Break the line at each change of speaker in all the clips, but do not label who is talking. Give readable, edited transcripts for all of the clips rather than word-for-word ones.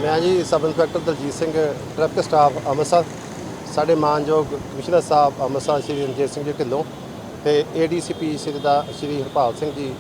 मैं जी sub inspector Daljit Singh traffic staff Amritsar ਸਾਡੇ ਮਾਨਯੋਗ ਕਮਿਸ਼ਨਰ ਸਾਹਿਬ ਅੰਮ੍ਰਿਤਸਰ ਸ਼੍ਰੀ ਰਣਜੀਤ ਸਿੰਘ ਜੀ ਢਿੱਲੋਂ ਤੇ ADCP ਸ਼੍ਰੀ ਹਰਪਾਲ ਸਿੰਘ ਜੀ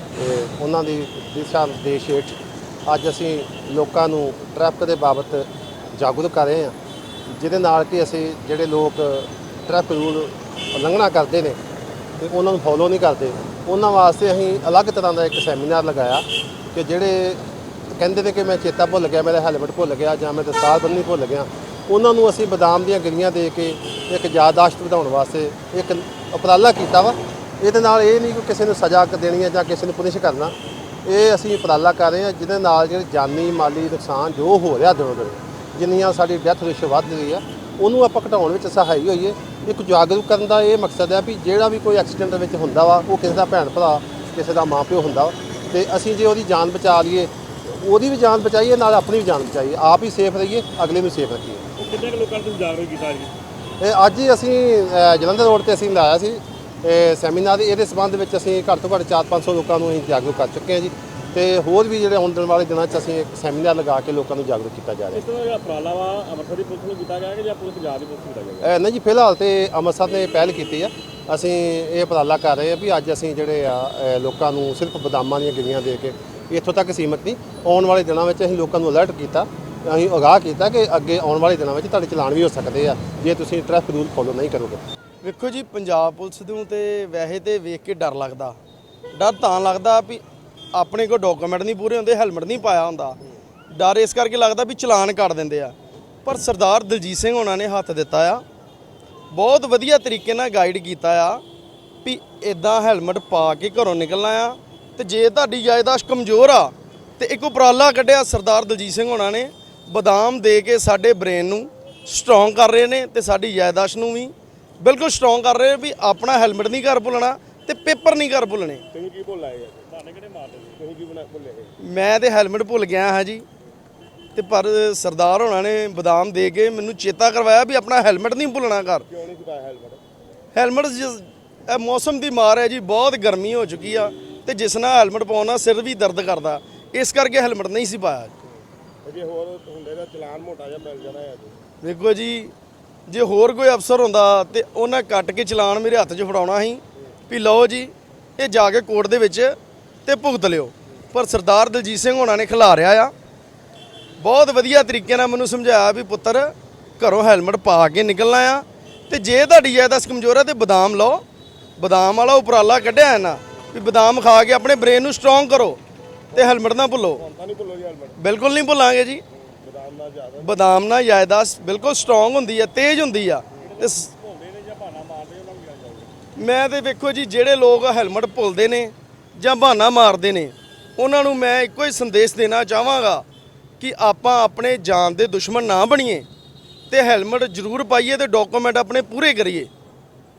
ਉਹਨਾਂ ਦੀ ਦਿਸ਼ਾ ਨਿਰਦੇਸ਼ ਹੇਠ ਅੱਜ ਅਸੀਂ ਲੋਕਾਂ ਨੂੰ ਟ੍ਰੈਫਿਕ ਦੇ ਬਾਬਤ ਜਾਗਰੂਕ ਕਰ ਰਹੇ ਹਾਂ, ਜਿਹਦੇ ਨਾਲ ਕਿ ਅਸੀਂ ਜਿਹੜੇ ਲੋਕ ਟ੍ਰੈਫਿਕ ਰੂਲ ਉਲੰਘਣਾ ਕਰਦੇ ਨੇ ਤੇ ਉਹਨਾਂ ਨੂੰ ਫੋਲੋ ਨਹੀਂ ਕਰਦੇ, ਉਹਨਾਂ ਵਾਸਤੇ ਅਸੀਂ ਅਲੱਗ ਤਰ੍ਹਾਂ ਦਾ ਇੱਕ ਸੈਮੀਨਾਰ ਲਗਾਇਆ ਕਿ ਜਿਹੜੇ ਕਹਿੰਦੇ ਨੇ ਕਿ ਮੈਂ ਚੇਤਾ ਭੁੱਲ ਗਿਆ, ਮੇਰਾ ਹੈਲਮਟ ਭੁੱਲ ਗਿਆ ਜਾਂ ਮੈਂ ਦਸਤਾਰ ਬੰਨ੍ਹਣੀ ਭੁੱਲ ਗਿਆ, ਉਹਨਾਂ ਨੂੰ ਅਸੀਂ ਬਦਾਮ ਦੀਆਂ ਗਿਰੀਆਂ ਦੇ ਕੇ ਇੱਕ ਯਾਦਦਾਸ਼ਤ ਵਧਾਉਣ ਵਾਸਤੇ ਇੱਕ ਉਪਰਾਲਾ ਕੀਤਾ ਵਾ। ਇਹਦੇ ਨਾਲ ਇਹ ਨਹੀਂ ਕਿ ਕਿਸੇ ਨੂੰ ਸਜ਼ਾ ਦੇਣੀ ਹੈ ਜਾਂ ਕਿਸੇ ਨੂੰ ਪੁਨਿਸ਼ ਕਰਨਾ, ਇਹ ਅਸੀਂ ਉਪਰਾਲਾ ਕਰ ਰਹੇ ਹਾਂ ਜਿਹਦੇ ਨਾਲ ਜਿਹੜੇ ਜਾਨੀ ਮਾਲੀ ਨੁਕਸਾਨ ਜੋ ਹੋ ਰਿਹਾ ਦਿਨੋਂ ਦਿਨ, ਜਿੰਨੀਆਂ ਸਾਡੀ ਡੈਥ ਰੇਸ਼ੋ ਵੱਧ ਰਹੀ ਆ, ਉਹਨੂੰ ਆਪਾਂ ਘਟਾਉਣ ਵਿੱਚ ਸਹਾਈ ਹੋਈਏ। ਇੱਕ ਜਾਗਰੂਕ ਕਰਨ ਦਾ ਇਹ ਮਕਸਦ ਹੈ ਵੀ ਜਿਹੜਾ ਵੀ ਕੋਈ ਐਕਸੀਡੈਂਟ ਵਿੱਚ ਹੁੰਦਾ ਵਾ, ਉਹ ਕਿਸੇ ਦਾ ਭੈਣ ਭਰਾ, ਕਿਸੇ ਦਾ ਮਾਂ ਪਿਓ ਹੁੰਦਾ ਵਾ, ਤੇ ਅਸੀਂ ਜੇ ਉਹਦੀ ਜਾਨ ਬਚਾ ਲਈਏ, ਉਹਦੀ ਵੀ ਜਾਨ ਬਚਾਈਏ, ਨਾਲ ਆਪਣੀ ਵੀ ਜਾਨ ਬਚਾਈਏ, ਆਪ ਹੀ ਸੇਫ ਰਹੀਏ, ਅਗਲੇ ਨੂੰ ਸੇਫ ਰੱਖੀਏ।
ਕਿੰਨੇ ਕੁ ਲੋਕਾਂ ਨੂੰ ਜਾਗਰੂਕ ਕੀਤਾ ਜੀ?
ਇਹ ਅੱਜ ਹੀ ਅਸੀਂ ਜਲੰਧਰ ਰੋਡ ਤੇ ਅਸੀਂ ਲਾਇਆ ਸੀ ਸੈਮੀਨਾਰ। ਇਹਦੇ ਸੰਬੰਧ ਵਿੱਚ ਅਸੀਂ ਘੱਟ ਤੋਂ ਘੱਟ 400-500 ਲੋਕਾਂ ਨੂੰ ਅਸੀਂ ਜਾਗਰੂਕ ਕਰ ਚੁੱਕੇ ਹਾਂ ਜੀ, ਤੇ ਹੋਰ ਵੀ ਜਿਹੜੇ ਆਉਣ ਵਾਲੇ ਦਿਨਾਂ 'ਚ ਅਸੀਂ ਇੱਕ ਸੈਮੀਨਾਰ ਲਗਾ ਕੇ ਲੋਕਾਂ ਨੂੰ ਜਾਗਰੂਕ ਕੀਤਾ ਜਾ ਰਿਹਾ।
ਇਸ ਤਰ੍ਹਾਂ ਦਾ ਉਪਰਾਲਾ ਵਾ ਅੰਮ੍ਰਿਤਸਰ ਦੀ ਪੁਲਿਸ ਨੂੰ ਕੀਤਾ ਗਿਆ ਕਿ ਜਾਂ ਪੂਰੇ ਪੰਜਾਬ ਦੀ ਪੁਲਿਸ ਨੂੰ ਕੀਤਾ ਗਿਆ?
ਨਹੀਂ ਜੀ, ਫਿਲਹਾਲ ਤੇ ਅੰਮ੍ਰਿਤਸਰ ਨੇ ਪਹਿਲ ਕੀਤੀ ਆ। ਅਸੀਂ ਇਹ ਉਪਰਾਲਾ ਕਰ ਰਹੇ ਹਾਂ ਵੀ ਅੱਜ ਅਸੀਂ ਜਿਹੜੇ ਆ ਲੋਕਾਂ ਨੂੰ ਸਿਰਫ ਬਦਾਮਾਂ ਦੀਆਂ ਗਿਰੀਆਂ ਦੇ ਕੇ ਇੱਥੋਂ ਤੱਕ ਸੀਮਤ ਨਹੀਂ, ਆਉਣ ਵਾਲੇ ਦਿਨਾਂ ਵਿੱਚ ਅਸੀਂ ਲੋਕਾਂ ਨੂੰ ਅਲਰਟ ਕੀਤਾ, ਅਸੀਂ ਅਗਾਹ ਕੀਤਾ ਕਿ ਅੱਗੇ ਆਉਣ ਵਾਲੇ ਦਿਨਾਂ ਵਿੱਚ ਤੁਹਾਡੇ ਚਲਾਨ ਵੀ ਹੋ ਸਕਦੇ ਆ ਜੇ ਤੁਸੀਂ ਟ੍ਰੈਫਿਕ ਰੂਲ ਫੋਲੋ ਨਹੀਂ ਕਰੋਗੇ।
ਵੇਖੋ ਜੀ, ਪੰਜਾਬ ਪੁਲਿਸ ਨੂੰ ਤੇ ਵੈਸੇ ਤੇ ਵੇਖ ਕੇ ਡਰ ਲੱਗਦਾ। ਡਰ ਤਾਂ ਲੱਗਦਾ ਵੀ ਆਪਣੇ ਕੋਲ ਡਾਕੂਮੈਂਟ ਨਹੀਂ ਪੂਰੇ ਹੁੰਦੇ, ਹੈਲਮਟ ਨਹੀਂ ਪਾਇਆ ਹੁੰਦਾ, ਡਰ ਇਸ ਕਰਕੇ ਲੱਗਦਾ ਵੀ ਚਲਾਨ ਕੱਟ ਦਿੰਦੇ ਆ। ਪਰ ਸਰਦਾਰ ਦਲਜੀਤ ਸਿੰਘ ਉਹਨਾਂ ਨੇ ਹੱਥ ਦਿੱਤਾ ਆ, ਬਹੁਤ ਵਧੀਆ ਤਰੀਕੇ ਨਾਲ ਗਾਈਡ ਕੀਤਾ ਆ ਵੀ ਇਦਾਂ ਹੈਲਮਟ ਪਾ ਕੇ ਘਰੋਂ ਨਿਕਲਣਾ ਆ। ਤੇ ਜੇ ਤੁਹਾਡੀ ਯਾਦਾਸ਼ਤ ਕਮਜ਼ੋਰ ਆ ਤੇ ਇੱਕ ਉਪਰਾਲਾ ਕੱਢਿਆ ਸਰਦਾਰ ਦਲਜੀਤ ਸਿੰਘ ਉਹਨਾਂ ਨੇ, ਬਦਾਮ ਦੇ ਕੇ ਸਾਡੇ ਬ੍ਰੇਨ ਨੂੰ ਸਟਰੋਂਗ ਕਰ ਰਹੇ ਨੇ ਤੇ ਸਾਡੀ ਯਾਦਾਸ਼ਤ ਨੂੰ ਵੀ ਬਿਲਕੁਲ ਸਟਰੋਂਗ ਕਰ ਰਹੇ ਵੀ ਆਪਣਾ ਹੈਲਮਟ ਨਹੀਂ ਘਰ ਭੁੱਲਣਾ ਤੇ ਪੇਪਰ ਨਹੀਂ ਘਰ ਭੁੱਲਣੇ।
ਤੁਸੀਂ ਕੀ ਭੁੱਲ ਆਏ? ਤੁਹਾਨੂੰ ਕਿਹੜੇ ਮਾਰਦੇ ਤੁਸੀਂ ਕੀ ਭੁੱਲੇ?
ਮੈਂ ਤੇ ਹੈਲਮਟ ਭੁੱਲ ਗਿਆ ਹਾਂ ਜੀ, ਤੇ ਪਰ ਸਰਦਾਰ ਹੋਣਾ ਨੇ ਬਦਾਮ ਦੇ ਕੇ ਮੈਨੂੰ ਚੇਤਾ ਕਰਵਾਇਆ ਵੀ ਆਪਣਾ ਹੈਲਮਟ ਨਹੀਂ ਭੁੱਲਣਾ ਘਰ।
ਕਿਉਂ ਨਹੀਂ ਪਾਇਆ ਹੈਲਮਟ?
ਹੈਲਮਟ ਇਹ ਮੌਸਮ ਦੀ ਮਾਰ ਹੈ ਜੀ, ਬਹੁਤ ਗਰਮੀ ਹੋ ਚੁੱਕੀ ਆ ਤੇ ਜਿਸ ਨਾਲ ਹੈਲਮਟ ਪਾਉਣਾ ਸਿਰ ਵੀ ਦਰਦ ਕਰਦਾ, ਇਸ ਕਰਕੇ ਹੈਲਮਟ ਨਹੀਂ ਸੀ ਪਾਇਆ।
ਜੇ ਹੋਰ ਹੁੰਦੇ ਤਾਂ ਚਲਾਨ ਮੋਟਾ ਜਿਹਾ ਮਿਲ ਜਾਣਾ ਹੈ।
ਵੇਖੋ ਜੀ, ਜੇ ਹੋਰ ਕੋਈ ਅਫਸਰ ਹੁੰਦਾ ਤੇ ਉਹਨਾਂ ਕੱਟ ਕੇ ਚਲਾਨ ਮੇਰੇ ਹੱਥ 'ਚ ਫੜਾਉਣਾ ਸੀ ਵੀ ਲਓ ਜੀ ਇਹ ਜਾ ਕੇ ਕੋਰਟ ਦੇ ਵਿੱਚ ਤੇ ਭੁਗਤ ਲਿਓ। ਪਰ ਸਰਦਾਰ ਦਲਜੀਤ ਸਿੰਘ ਹੋਣਾ ਨੇ ਖਿਲਾਰਿਆ ਆ, ਬਹੁਤ ਵਧੀਆ ਤਰੀਕੇ ਨਾਲ ਮੈਨੂੰ ਸਮਝਾਇਆ ਵੀ ਪੁੱਤਰ ਘਰੋਂ ਹੈਲਮਟ ਪਾ ਕੇ ਨਿਕਲਣਾ ਆ, ਤੇ ਜੇ ਤੁਹਾਡੀ ਯਾਦਾਸ਼ਤ ਕਮਜ਼ੋਰ ਹੈ ਤੇ ਬਦਾਮ ਲਓ। ਬਦਾਮ ਵਾਲਾ ਉਪਰਾਲਾ ਕੱਢਿਆ ਹੈ ਨਾ ਵੀ ਬਦਾਮ ਖਾ ਕੇ ਆਪਣੇ ਬ੍ਰੇਨ ਨੂੰ ਸਟਰੋਂਗ ਕਰੋ ਤੇ ਹੈਲਮਟ ਨਾ ਭੁੱਲੋ।
ਨਹੀਂ ਭੁੱਲੋ ਜੀ ਹੈਲਮਟ? ਬਿਲਕੁਲ
ਨਹੀਂ ਭੁੱਲਾਂਗੇ ਜੀ। ਬਦਾਮ ਨਾਲ ਯਾਦਾਸ਼ਤ ਬਿਲਕੁਲ ਸਟਰੋਂਗ ਹੁੰਦੀ ਆ, ਤੇਜ਼ ਹੁੰਦੀ ਆ। ਤੇ ਮੈਂ ਤੇ ਵੇਖੋ ਜੀ, ਜਿਹੜੇ ਲੋਕ ਹੈਲਮਟ ਭੁੱਲਦੇ ਨੇ ਜਾਂ ਬਹਾਨਾ ਮਾਰਦੇ ਨੇ, ਉਹਨਾਂ ਨੂੰ ਮੈਂ ਇੱਕੋ ਹੀ ਸੰਦੇਸ਼ ਦੇਣਾ ਚਾਹਾਂਗਾ ਕਿ ਆਪਾਂ ਆਪਣੇ ਜਾਨ ਦੇ ਦੁਸ਼ਮਣ ਨਾ ਬਣੀਏ ਤੇ ਹੈਲਮਟ ਜ਼ਰੂਰ ਪਾਈਏ ਤੇ ਡਾਕੂਮੈਂਟ ਆਪਣੇ ਪੂਰੇ ਕਰੀਏ।